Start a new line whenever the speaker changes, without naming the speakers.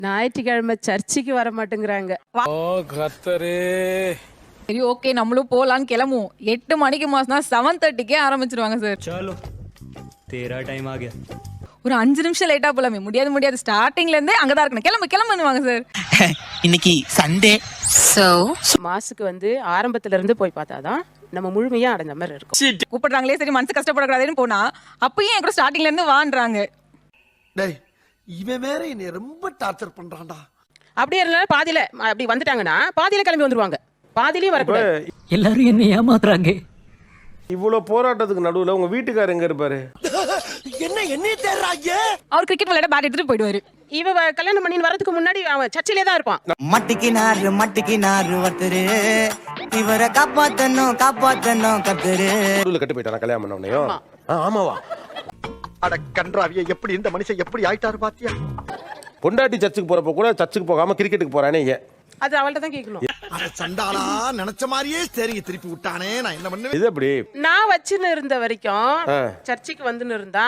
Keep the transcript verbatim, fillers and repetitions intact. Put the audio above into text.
ஞாயிற்றுக்கிழமை சர்ச்சுக்கு வர மாட்டேங்கிறாங்க.
ஓ கர்த்தரே.
சரி ஓகே நம்மளும் போலான்னு கிளம்புவோம். எட்டு மணிக்கு மாசம்னா செவன் தேர்ட்டிக்கே ஆரம்பிச்சிருவாங்க சார்.
चलो तेरा टाइम आ गया.
ஒரு அஞ்சு நிமிஷம் லேட்டா போலாமே. முடியாது முடியாது ஸ்டார்டிங்ல இருந்தே அங்கதான் இருக்கணும். கிளம்பு கிளம்புவாங்க சார்.
இன்னைக்கு சண்டே. சோ
மாசுக்கு வந்து ஆரம்பத்துல இருந்து போய் பார்த்தாதான் நம்ம முழுமையா அடைஞ்ச மாதிரி இருக்கும்.
கூப்பிடுறாங்களே சரி மனசு கஷ்டப்படக்கூடாதுன்னு போனா அப்பயும் என் கூட ஸ்டார்டிங்ல இருந்து வான்றாங்க.
டேய் இவன் வேற என்னை ரொம்ப டார்ச்சர் பண்றான்டா.
அப்படியே இருந்தாலும் பாதியில அப்படி வந்துட்டாங்கன்னா பாதியில கிளம்பி வந்துருவாங்க. பாதியிலயும் வரக்கூடாது.
எல்லாரும் என்ன ஏமாத்துறாங்க.
இவ்வளவு போராட்டத்துக்கு நடுவுல உங்க வீட்டுக்காரர் எங்க இருப்பாரு?
என்ன என்னைய தேடுறாங்க?
அவர் கிரிக்கெட் விளையாட பேட் எடுத்துட்டு போயிடுவாரு.
இவ வ- கல்யாணம் பண்ணி வரதுக்கு முன்னாடி அவன் சர்ச்சிலே தான் இருப்பான்.
மட்டிக்கினாரு மட்டிக்கினாரு ஒருத்தரு இவரை காப்பாத்தணும் காப்பாத்தணும் கத்துரு.
நடுவுல கட்டு போயிட்டானா கல்யாணம் பண்ண உடனேயும்? ஆ, ஆமாவா?
அட கன்றாவிய எப்படி இந்த மனுஷன் எப்படி ஆயிட்டாரு பாத்தியா?
பொண்டாட்டி சர்ச்சுக்கு போறப்ப கூட சர்ச்சுக்கு போகாம கிரிக்கெட்டுக்கு போறானே ஏன்?
அது அவள்கிட்ட தான் கேட்கணும்.
அட சண்டாளா நினைச்ச மாதிரியே சரிங்க திருப்பி விட்டானே நான் என்ன பண்ணுவேன்?
இது அப்படி
நான் வச்சுன்னு இருந்த வரைக்கும்
ஆ.
சர்ச்சுக்கு வந்துன்னு இருந்தா